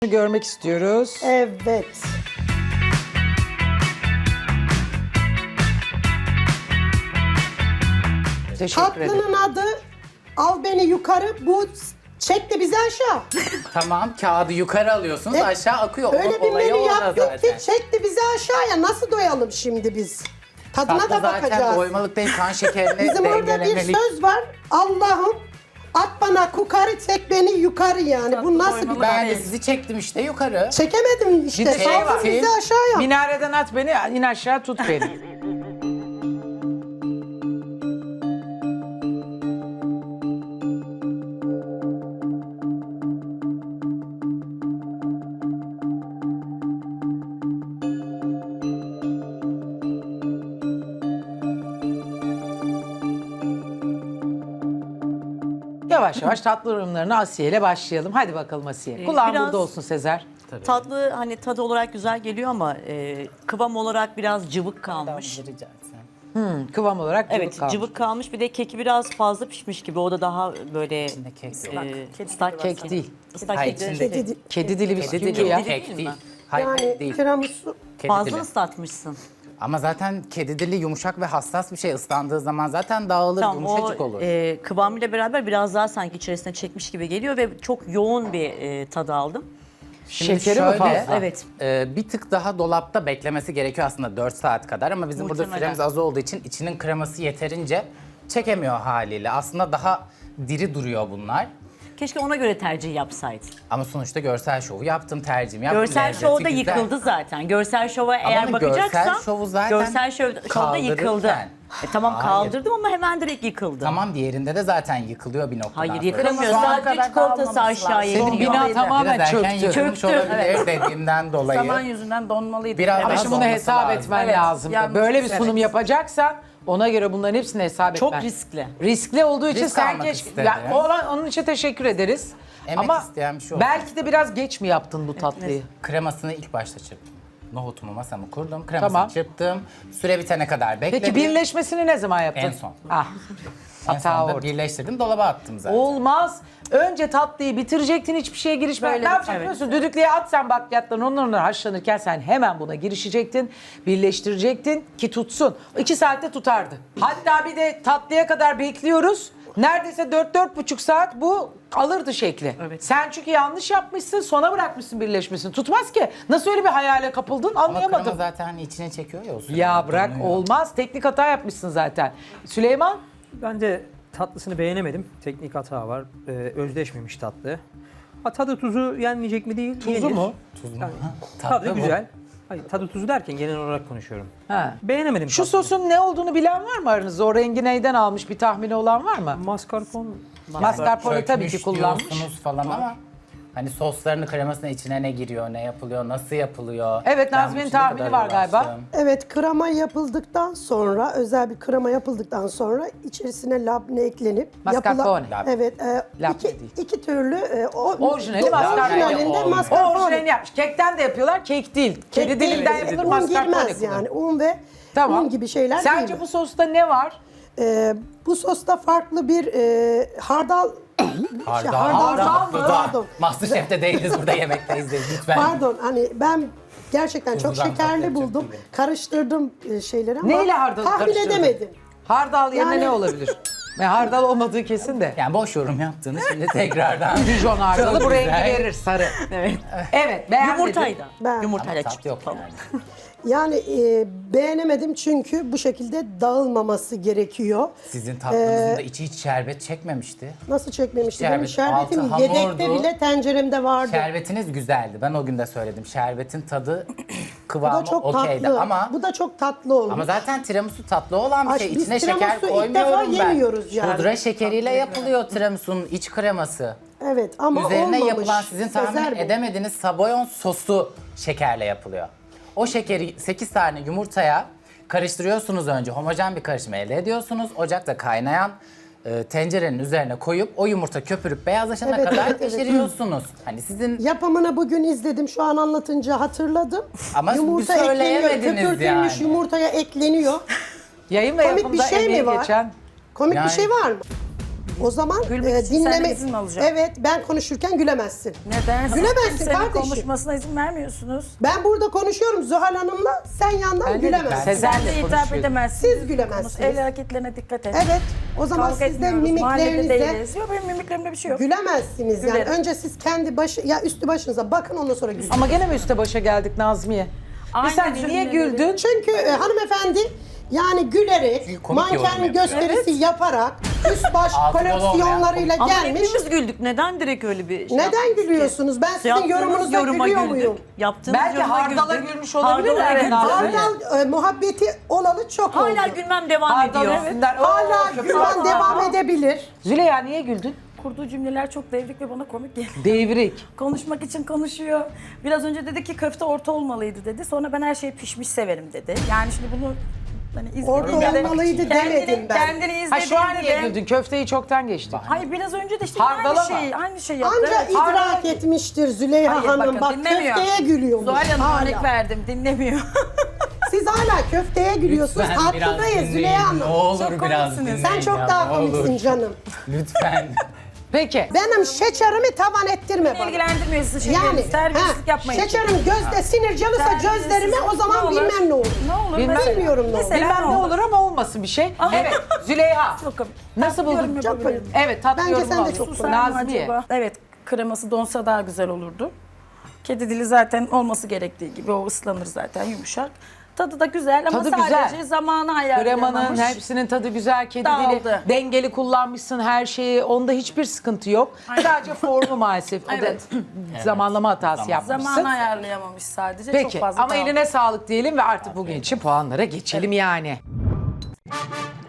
Görmek istiyoruz. Evet. Teşekkür ederim. Tatlının adı Al Beni Yukarı, bu çek de bizi aşağı. Tamam, kağıdı yukarı alıyorsunuz, aşağı akıyor. Öyle bir Olayı menü orada yaptık zaten. ki çek de bizi aşağıya. Nasıl doyalım şimdi biz? Tadına Tatlı da zaten bakacağız. doymalık değil, kan şekerini Bizim orada bir dengelemelik. söz var. Allah'ım at bana kukarı, çek beni yukarı yani. Bu nasıl bir... Ben de sizi çektim işte yukarı. Çekemedim işte. Bir de şey Saldır var. bizi aşağıya. Minareden at beni, in aşağı tut beni. Yavaş yavaş tatlı yorumlarına Asiye ile başlayalım. Hadi bakalım Asiye. Kulağın biraz- burada olsun Sezer. Tatlı hani tadı olarak güzel geliyor ama kıvam olarak biraz cıvık kalmış. Rica etsem. Kıvam olarak cıvık Evet, kalmış. cıvık kalmış. Bir de keki biraz fazla pişmiş gibi. O da daha böyle kek yok. ıslak Kek değil. Islak Hayır, kek içinde- Kedi- Kedi dili Kedi bisküvi dili ya. yok, kek değil değil. mi? Hayır, Yani değil. tiramisu. Kedi fazla dili. ıslatmışsın. Ama zaten kedi dili yumuşak ve hassas bir şey. Islandığı zaman zaten dağılır, Tamam, o yumuşacık olur. kıvamıyla beraber biraz daha sanki içerisine çekmiş gibi geliyor ve çok yoğun bir tadı aldım. Şimdi Şekeri mi şöyle, fazla? Evet. Bir tık daha dolapta beklemesi gerekiyor aslında 4 saat kadar ama bizim burada Muhtemelen. süremiz az olduğu için içinin kreması yeterince çekemiyor haliyle. Aslında daha diri duruyor bunlar. Keşke ona göre tercih yapsaydın. Ama sonuçta görsel şovu yaptım, tercihimi yaptım. Görsel Lezzeti şovda güzel. yıkıldı zaten. Görsel şova eğer ama bakacaksan görsel şovu zaten görsel şovda yıkıldı. kaldırırken. Tamam Hayır. kaldırdım ama hemen direkt yıkıldı. Tamam, diğerinde de zaten yıkılıyor bir noktadan Hayır sonra. yıkılamıyor. Şu ana Sadece kadar çikolatası kalmaması aşağıya Senin iniyor. bina tamamen Biraz erken çöktü. yıkılmış Çöktü, olabilir dediğimden dolayı. Zaman yüzünden donmalıydı. Biraz Ama daha şimdi bunu olması hesap lazım. etmen Evet, lazım. yanlış, Böyle bir sunum evet. yapacaksan ona göre bunların hepsini hesap Çok etmen. riskli. Riskli olduğu için Risk sen almak keşke... istedim. Ya, onun için teşekkür ederiz. Emek Ama isteyen bir şey olsun. belki de biraz geç mi yaptın bu tatlıyı? Kremasını ilk başta çırptım. Nohutumu masamı kurdum, kremasını Tamam. çırptım. Süre bitene kadar bekledim. Peki birleşmesini ne zaman yaptın? En son. Ah. En Hata sonunda orada. birleştirdim, dolaba attım zaten. Olmaz. Önce tatlıyı bitirecektin, hiçbir şeye girişme. Böyle Ne yapacaksın evet. biliyor musun? Düdüklüye at sen bakliyatlarını, onlar haşlanırken sen hemen buna girişecektin. Birleştirecektin ki tutsun. 2 saatte tutardı. Hatta bir de tatlıya kadar bekliyoruz. Neredeyse 4-4,5 saat bu alırdı şekli. Evet. Sen çünkü yanlış yapmışsın, sona bırakmışsın birleşmesini. Tutmaz ki. Nasıl öyle bir hayale kapıldın Ama krema anlayamadım. zaten hani içine çekiyor ya o sürede. Ya bırak Donuyor. olmaz. Teknik hata yapmışsın zaten. Süleyman? Ben de tatlısını beğenemedim. Teknik hata var. Özdeşmemiş tatlı. Ha, tadı tuzu yenmeyecek mi değil? Tuzu Yenir. mu? Tuz mu? Yani Tatlı tadı bu. güzel. Hayır, tadı tuzu derken genel olarak konuşuyorum. Ha. Beğenemedim Şu tatlıyı. sosun ne olduğunu bilen var mı aranızda? O rengi neyden almış bir tahmini olan var mı? Mascarpone Mascarpone tabii ki Çökmüş kullanmış. diyorsunuz falan ama hani soslarını kremasının içine ne giriyor, ne yapılıyor, nasıl yapılıyor? Evet, Ben Nazmi'nin bu işe ne tahmini kadar var galiba. uğraştım. Evet, krema yapıldıktan sonra, özel bir krema yapıldıktan sonra içerisine labne eklenip Mascarpone. Evet, Labne iki, değil. iki türlü Orijinali mascarpone. orijinalinde Olmuyor. O mascarpone. orijinalini yapmış. Kekten de yapıyorlar, kek değil. Kedi değil, dilinden evet. yapılır, Un mascarpone girmez kullanılır. yani. Un ve Tamam. un gibi şeyler Sence değil. bu sosta ne var? Bu sosta farklı bir hardal... Hardal. hardal mı? Pardon. Masterchef'te değiliz, burada yemekteyiz lütfen. Pardon, hani ben gerçekten çok Tuzludan şekerli patlayacak buldum. gibi. Karıştırdım şeyleri ama Neyle hardalı tahmin karıştırdın? edemedim. Hardal yerine Yani- ne olabilir? Hardal olmadığı kesin de. Yani boş yorum yaptığınız şimdi tekrardan. Dijon hardalı Çok bu rengi güzel. verir sarı. Evet. Evet, beğenmedim. Yumurtayla. Ben- Yumurtayla Tat çıktı yok falan. yani. Yani beğenemedim çünkü bu şekilde dağılmaması gerekiyor. Sizin tatlınızın da içi hiç şerbet çekmemişti. Nasıl çekmemişti? Şerbet, Benim şerbetim altı yedekte hamurdu. bile tenceremde vardı. Şerbetiniz güzeldi. Ben o gün de söyledim. Şerbetin tadı Bu da kıvamı çok okeydi tatlı. ama Bu da çok tatlı olmuş. ama zaten tiramisu tatlı olan bir Ay, şey. biz İçine şeker tiramisu ilk defa koymuyorum ben. yemiyoruz yani. Pudra şekeriyle yapılıyor tiramisu'nun iç kreması. Evet ama Üzerine olmamış. yapılan sizin tahmin Sezer bu. edemediğiniz sabayon sosu şekerle yapılıyor. O şekeri 8 tane yumurtaya karıştırıyorsunuz önce. Homojen bir karışım elde ediyorsunuz. Ocakta kaynayan tencerenin üzerine koyup o yumurta köpürüp beyazlaşana Evet, kadar evet, evet. pişiriyorsunuz. Hani sizin Yapımını bugün izledim. Şu an anlatınca hatırladım. Ama Yumurta bir söyleyemediniz ekleniyor. Köpürtülmüş yani. yumurtaya ekleniyor. Yayın ve Komik bir yapımda şey mi emeği var? geçen Komik Yani- bir şey var mı? O zaman Gülmek için senden izin mi alacağım? Evet, ben konuşurken gülemezsin. Neden? Gülemezsin Kimsenin kardeşim. konuşmasına izin vermiyorsunuz. Ben burada konuşuyorum Zuhal Hanım'la, sen yandan Ben de- gülemezsin. Sezen Sen de de hitap konuşuyor. edemezsiniz. Siz gülemezsiniz. El hareketlerine dikkat et. Evet, o zaman Kavga siz de etmiyoruz. Mahallede mimiklerinize değiliz. Yok benim mimiklerimde bir şey yok. gülemezsiniz. Yani Gülerim. önce siz kendi üstü başınıza bakın, ondan sonra gülün. Ama gene mi üste başa geldik Nazmiye? Aynen Sen niye cümleleri. güldün? Çünkü hanımefendi yani gülerek, Komik yorum manken yapıyor. gösterisi yaparak, üst baş Altı dolu koleksiyonlarıyla Ama gelmiş. hepimiz güldük. Neden direkt öyle bir şey Neden yaptınız ki? gülüyorsunuz? Ben sizin Yaptığınız yorumunuza yoruma gülüyor güldük. muyum? Yaptığınız Belki yoruma hardala güldük. gülmüş olabilir mi? Hardala Evet, güldük. Hardal muhabbeti olalı çok oldu. Hala gülmem devam Hardal ediyor. üstünden. Hala Oo, gülmen devam edebilir. Züleyha niye güldün? Kurduğu cümleler çok devrik ve bana komik geliyor. Devrik. Konuşmak için konuşuyor. Biraz önce dedi ki köfte orta olmalıydı dedi. Sonra ben her şeyi pişmiş severim dedi. Yani şimdi bunu hani Orta izlediğinde olmalıydı demedim ben. Kendini Ha şu an izlediğinde niye de... güldün? Köfteyi çoktan geçtik. Hayır biraz önce de işte Hardala mı? aynı şey yaptı. Anca Evet. idrak etmiştir Züleyha Hayır, Hanım. bakın, Bak dinlemiyor. köfteye gülüyormuş. Zuhal Hanım Hala. örnek verdim dinlemiyor. Siz hala köfteye gülüyorsunuz. Lütfen biraz Haklıyız dinleyin. Züleyha Ne Hanım. olur Çok biraz komiksiniz. dinleyin Sen çok ya, daha ne olur. komiksin canım. Lütfen. Peki. Benim şekerimi tavan ettirme bana. İlgilendirmiyor sizin Yani şeyleriniz. Terbiyesizlik yapmayın. şekerim gözde sinir canısa Terbiyesizlik gözlerime o zaman ne olur? bilmem ne olur. Ne olur? Bilmem. Mesela- Bilmiyorum ne olur. Mesela Bilmem ne olur ama olmasın bir şey. Evet Züleyha. Çok komik. Nasıl buldun? Yorum yapabilirim. Evet tatlı Bence yorum sen de alayım. çok Susar mı Nazmiye. acaba? Evet kreması donsa daha güzel olurdu. Kedi dili zaten olması gerektiği gibi o ıslanır zaten yumuşak. Tadı da güzel ama Tadı sadece güzel. zamanı ayarlayamamış. Kremanın hepsinin tadı güzel, kedi Dağıldı. dili dengeli kullanmışsın her şeyi. Onda hiçbir sıkıntı yok. Sadece formu maalesef. O Evet. da zamanlama hatası yapmışsın. Zamanı ayarlayamamış sadece. Peki Çok fazla ama dağıldı. eline sağlık diyelim ve artık bugün için puanlara geçelim yani.